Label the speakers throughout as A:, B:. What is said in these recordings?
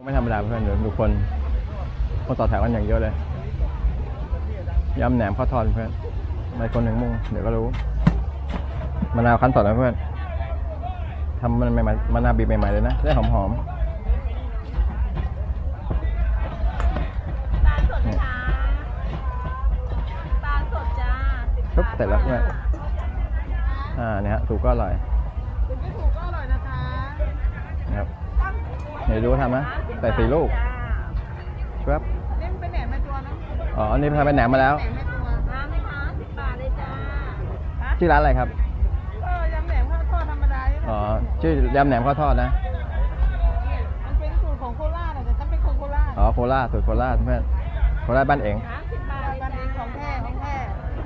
A: ไม่ธรรมดาเพื่อนเดี๋ยวดูคนต่อแถวกันอย่างเยอะเลยยำแหนมข้าวทอดเพื่อนในคนหนึ่งมุ่งเดี๋ยวก็รู้มะนาวคั้นสดนะเพื่อนทำมันใหม่ๆมะนาวบีบใหม่ๆเลยนะได้หอม
B: ตาลสดค่ะตาลสดจ้า
A: ๆปุ๊บเสร็จแล้วเพื่อนเนี่ยฮะถูกก็อร่อย
C: คุณไม่ถูกก็อร่อยนะคะ
A: นะครับเดี๋ยวดูทำนะใส่4 ลูกครับ
C: นี่เป็นแหนมในตัวนะ
A: อ๋ออันนี้ทำเป็นแหนมมาแล้ว
C: แหนมในตัว
B: น้ำไหมคะ10 บาทเลยจ้า
A: ชื่อร้านอะไรครับ
C: ยำแหนมข้าวทอดธรรมดา
A: อ๋อชื่อยำแหนมข้าวทอดนะ
C: มันเป็นสูตรของโคราชแต่ฉันเป็นคนโคราช
A: อ๋อโคราชสูตรโคราชเพื่อนโคราชบ้านเอง
B: 10 บาทเลย
C: บ้านเอ
B: จ้าง
C: ของแท้ของแท้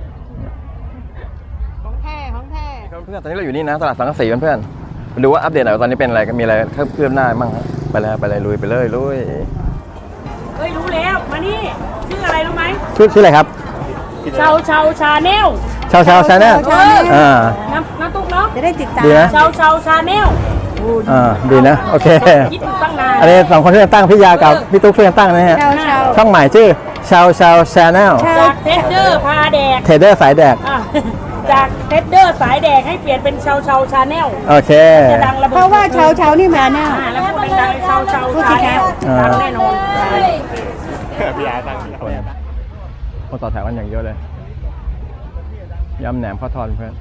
C: ของแท้ของแท้
A: เพื่อนตอนนี้เราอยู่นี่นะตลาดสังกะสีเพื่อนๆมาดูว่าอัปเดตหน่อยตอนนี้เป็นอะไรมีอะไรเพิ่มหน้าบ้างไปเลยลุยไปเลยลุย
D: เฮ้ยรู้แล้วมานี่ชื่ออะไรรู้ไหม
A: ชื่ออะไรครับ
D: ชาชาแนล
A: ชาแนล
D: น้ำตุ๊กเนาะ
C: จะได้ติดตาม
A: ดีนะ
D: ชาแนล
A: ดีนะโอเค
D: คิดถูกตั้งนาน
A: อันนี้2 คนที่จะตั้งพี่ยากับพี่ตุ๊กช่วยกันตั้งนะฮะช่องใหม่ชื่อชาแนล
D: จากเทสเดอร์พาแดก
A: เทเดอร์สายแดก
D: จากเทสเดอร์สายแดกให้เปลี่ยนเป็นชาแนล
A: โอเค
D: จะดังระเบิด
C: เพราะว่าเช้านี่มาแน่
D: แล้วพูดดังชาแนลดังแน่นอน
A: พี่ยาตั้งคนต่อแถวกันอย่างเยอะเลยยำแหนมข้าวทอดเพื่อน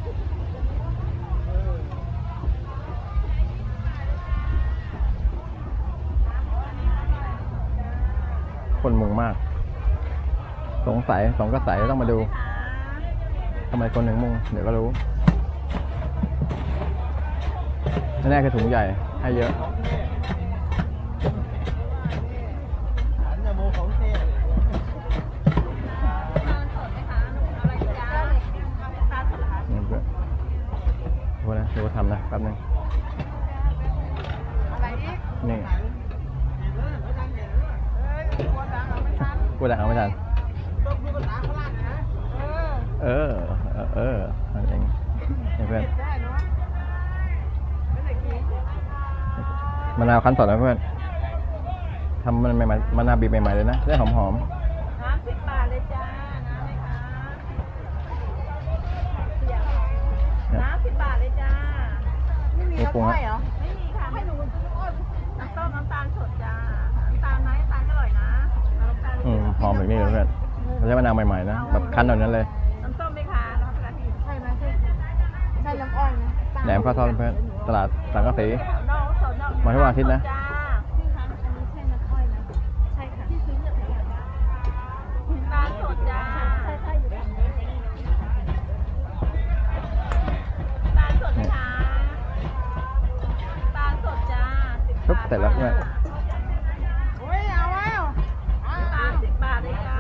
A: คนมุงมากสงสัยต้องมาดูทำไมคนหนึ่งมุงเดี๋ยวก็รู้แน่ๆคือถุงใหญ่ให้เยอะดูทำนะแป๊บนึงนี่กูดังเอาไม่ทันนั่นเองนี่เพื่อนมะนาวคั้นสดนะเพื่อนทำมันใหม่ๆมะนาวบีบใหม่ๆเลยนะได้หอม
B: น้ำ10 บาทเลยจ้าน้ำ10 บาทเลยจ้า
C: ไม่มีน้ำอ้อยเหรอ
B: ไม่มีค่ะไม่รู้น้ำส้มน้ำตาลสดจ้าน้ำตาลไหมน้ำตาลอร่อยนะ
A: หอมแบบนี้เลยเพื่อนไม่ใช่มะนาวใหม่ๆนะแบบคั้นแบบนั้นเลย
B: น้ำส้มไหมคะน้ำกะทิ
C: ใช่ไหมใช่น้ำอ้อยนะ
A: แหนมข้าวทอดเพื่อนตลาดสังกะสีมาทุกวันอาทิตย์นะ
B: ตาลสดจ้าตาลสดไหมคะตาลสดจ้า
A: ปุ๊บเสร็จแล้วเพื่อน
C: โอ้ยเอา
B: ตาล10 บาทเลยจ้า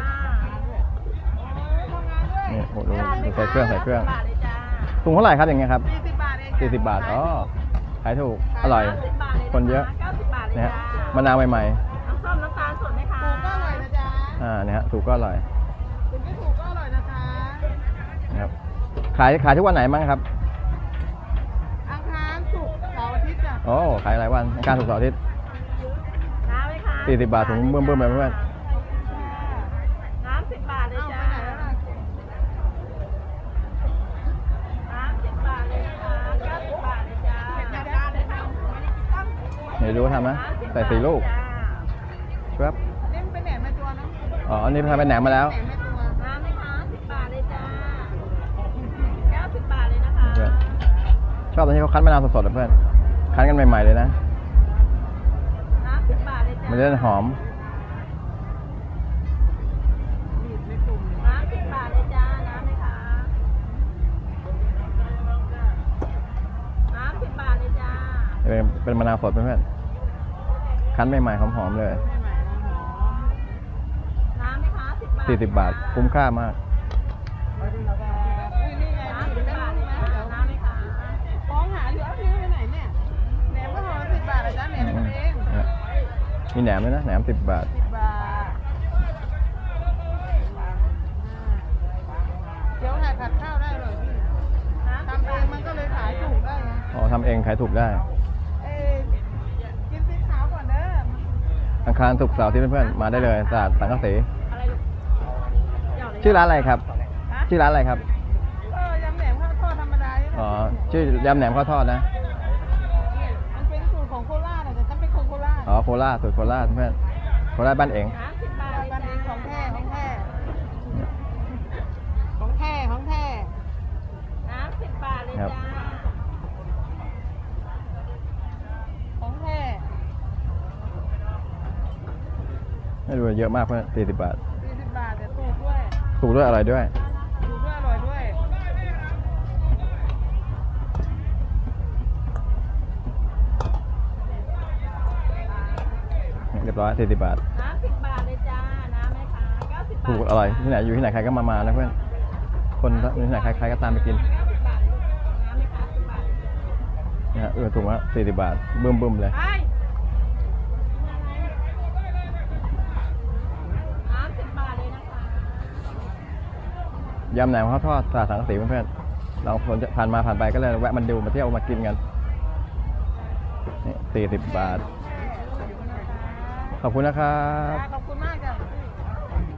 A: นี่โอ้โหใส่เครื่องถุงเท่าไหร่ครับอย่างเงี้ยครับ
C: 40 บาทเอง
A: 40 บาทอ๋อขายถูกอร่อยคนเยอะนะฮะมะนาวใหม่
B: น้ำส้มน้ำตาลสดไหมคะ
C: ถูกก็อร่อยนะจ๊ะ
A: เนี่ยฮะถูกก็อร่อย
C: คุณไม่ถูกก็อร่อยนะคะ
A: นะครับขายทุกวันไหนบ้างครับ
C: อังคารศุกร์เสาร์อาทิตย์จ้ะ
A: โอ้ขายหลายวันอังคารศุกร์เสาร์อาทิตย์
B: น้ำไหมคะ
A: 40 บาทถุงเบิ่มๆเลยเพื่อน
B: น้ำ10 บาทเลยจ้าน้ำ10 บาทเลยนะคะ90 บาทเลยจ้า
A: เดี๋ยวดูทำนะใส่4 ลูกครับ
C: นี่เป็นแหนมในตัวนะ
A: อ๋ออันนี้ทำเป็นแหนมมาแล้ว
C: แหนมในตัว
B: น้ำไหมคะ10 บาทเลยจ้า90 บาทเลยนะคะ
A: ชอบตอนที่เขาคั้นมะนาวสดๆเพื่อนคั้นกันใหม่ๆเลยนะ
B: น้ำ10 บาทเลยจ้า
A: มันจะหอม
B: น้ำ10 บาทเลยจ้าน้ำไหมคะน้ำ10 บาทเลยจ้า
A: เป็นมะนาวสดเพื่อนคั้นใหม่ๆหอมๆเลย
B: น้ำไหมคะ
A: 40 บาทคุ้มค่ามาก
B: น้ำไหมคะ
C: ฟ้องหาอยู่ซื้อไปไหนเนี่ยแหนมก็ห่อ10 บาทนะจ๊ะแหนมทำเอง
A: มีแหนมด้วยนะแหนม10 บาท
C: เดี๋ยวถ่ายผัดข้าวได้เลยพี่ทำเองมันก็เลยขายถูกได้ไง
A: ทำเองขายถูกได้
C: กินสีขาวก่อนเด้อ
A: อังคารศุกร์เสาร์อาที่เพื่อนๆมาได้เลยตลาดสังกะสี
B: อะไรลูกเดี๋ยวเลย
A: ชื่อร้านอะไรครับ
B: ฮะ
A: ชื่อร้านอะไรครับ
C: ก็ยำแหนมข้าวทอดธรรมดานี่แหละ
A: อ๋อชื่อยำแหนมข้าวทอดนะ
C: มันเป็นสูตรของโคราชอะแต่ฉันเป็นคนโคราช
A: อ๋อโคราชสูตรโคราชเพื่อนโคราชบ้านเอง
B: 30 บาท
C: บ้านเองของแท้ของแท้ของแท้ของแท้
B: 30 บาทเลย
A: ครับ
B: จ้า
C: ของแท้
A: ไม่รู้เยอะมากเพื่อน40 บาท
C: 40 บาทแต่ถูกด้วย
A: ถูกด้วยอร่อยด้วย
C: ถูกด้วยอร่อยด้วย
A: เรียบร้อย40 บาท
B: 30 บาทเลยจ้าน้ำไหมคะ90 บาท
A: ถูกอร่อยที่ไหนอยู่ที่ไหนใครก็มานะเพื่อนคนอยู่ที่ไหนใครก็ตามไปกิน
B: 90 บาทลูกน้ำไหมคะ10 บาท
A: นะฮะถูกละ40 บาทบึ้มเลย
B: ไป30 บาทเลยนะคะ
A: ยำแหนมข้าวทอดตลาดสังกะสีเพื่อนๆเราคนจะผ่านมาผ่านไปก็เลยแวะมันดูมาเที่ยวมากินกันนี่40 บาท ขอบคุณนะครับ
C: ขอบคุณมาก